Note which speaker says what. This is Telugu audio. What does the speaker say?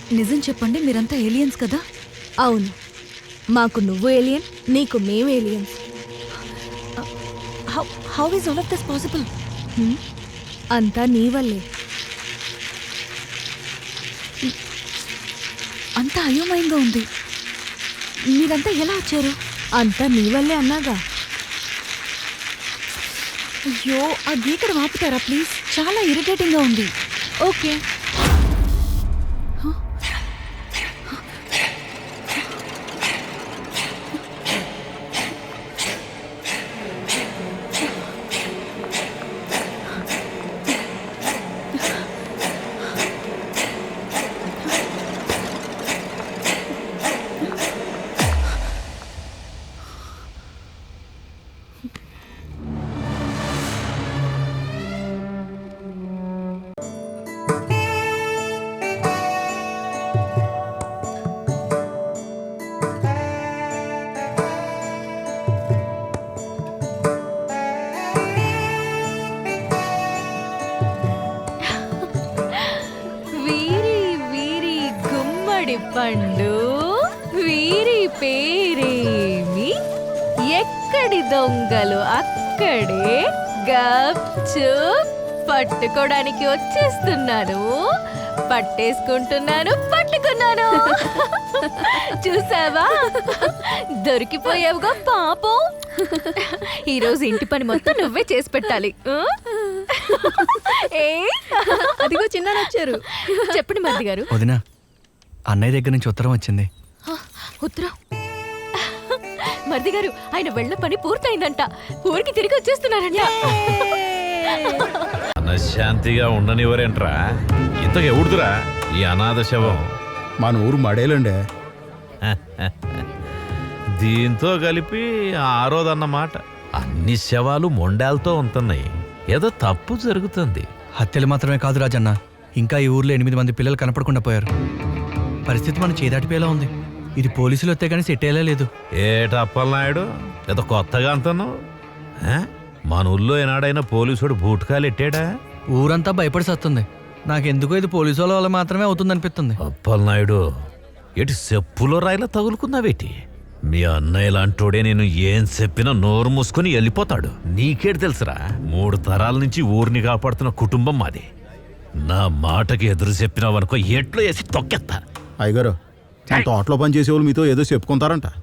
Speaker 1: నిజం చెప్పండి, మీరంతా ఏలియన్స్ కదా?
Speaker 2: అవును, మాకు నువ్వు ఏలియన్, నీకు మేము aliens.
Speaker 1: How is all of this possible?
Speaker 2: అంతా నీ వల్లే.
Speaker 1: అంతా అయోమయంగా ఉంది. మీరంతా ఎలా వచ్చారు?
Speaker 2: అంతా నీ వల్లే అన్నాగా.
Speaker 1: అయ్యో, ఆ గీకడ ఆపుతారా ప్లీజ్? చాలా ఇరిటేటింగ్గా ఉంది.
Speaker 2: ఓకే. వీరి వీరి గుమ్మడి పండు, వీరి పేరేమి, ఎక్కడి దొంగలు అక్కడే గప్చుప్ పట్టుకోవడానికి వచ్చేస్తున్నాను, పట్టేసుకుంటున్నాను, పట్టుకున్నాను. చూసావా, దొరికిపోయావుగా పాపం. ఈరోజు ఇంటి పని మొత్తం నువ్వే చేసి పెట్టాలి. అదిగో చిన్న వచ్చారు. చెప్పండి మరిది గారు.
Speaker 3: వదినా, అన్నయ్య దగ్గర నుంచి ఉత్తరం వచ్చింది.
Speaker 1: ఉత్తరం? మరిది గారు, ఆయన వెళ్ళ పని పూర్తయిందంట, ఊరికి తిరిగి వచ్చేస్తున్నారంట.
Speaker 4: మనశ్శాంతిగా ఉండనివ్వరేంట్రా? ఇంతకు ఎవడుదురా ఈ అనాథ శవం?
Speaker 5: మన ఊరు మడేలండి.
Speaker 4: దీంతో కలిపి ఆరోదన్నమాట. అన్ని శవాలు మొండాలతో ఉంటున్నాయి. ఏదో తప్పు జరుగుతుంది.
Speaker 3: హత్యలు మాత్రమే కాదు రాజన్న, ఇంకా ఈ ఊర్లో 8 మంది పిల్లలు కనపడకుండా పోయారు. పరిస్థితి మన చేదాటిపోయేలా ఉంది. ఇది పోలీసులు వస్తే కానీ సెట్ అయ్యేలా లేదు.
Speaker 4: ఏటప్పలనాయుడు, ఏదో కొత్తగా అంటున్నావు? మన ఊళ్ళో ఏనాడైనా పోలీసుడు బూట్కాలు ఎట్టాడా?
Speaker 3: ఊరంతా భయపడి సత్తుంది. నాకెందుకో ఇది పోలీసు వాళ్ళ వల్ల మాత్రమే అవుతుందనిపిస్తుంది.
Speaker 4: అప్పలనాయుడు, ఎటు చెప్పులో రాయిలా తగులుకున్నావేటి? మీ అన్నయ్య లాంటోడే నేను ఏం చెప్పినా నోరు మూసుకుని వెళ్ళిపోతాడు. నీకేడు తెలుసురా, 3 తరాల నుంచి ఊరిని కాపాడుతున్న కుటుంబం మాది. నా మాటకి ఎదురు చెప్పినావనుకో ఎట్లో వేసి తొక్కేస్తా.
Speaker 5: అయ్యగారు, తోటలో పని చేసేవాళ్ళు మీతో ఏదో చెప్పుకుంటారంట.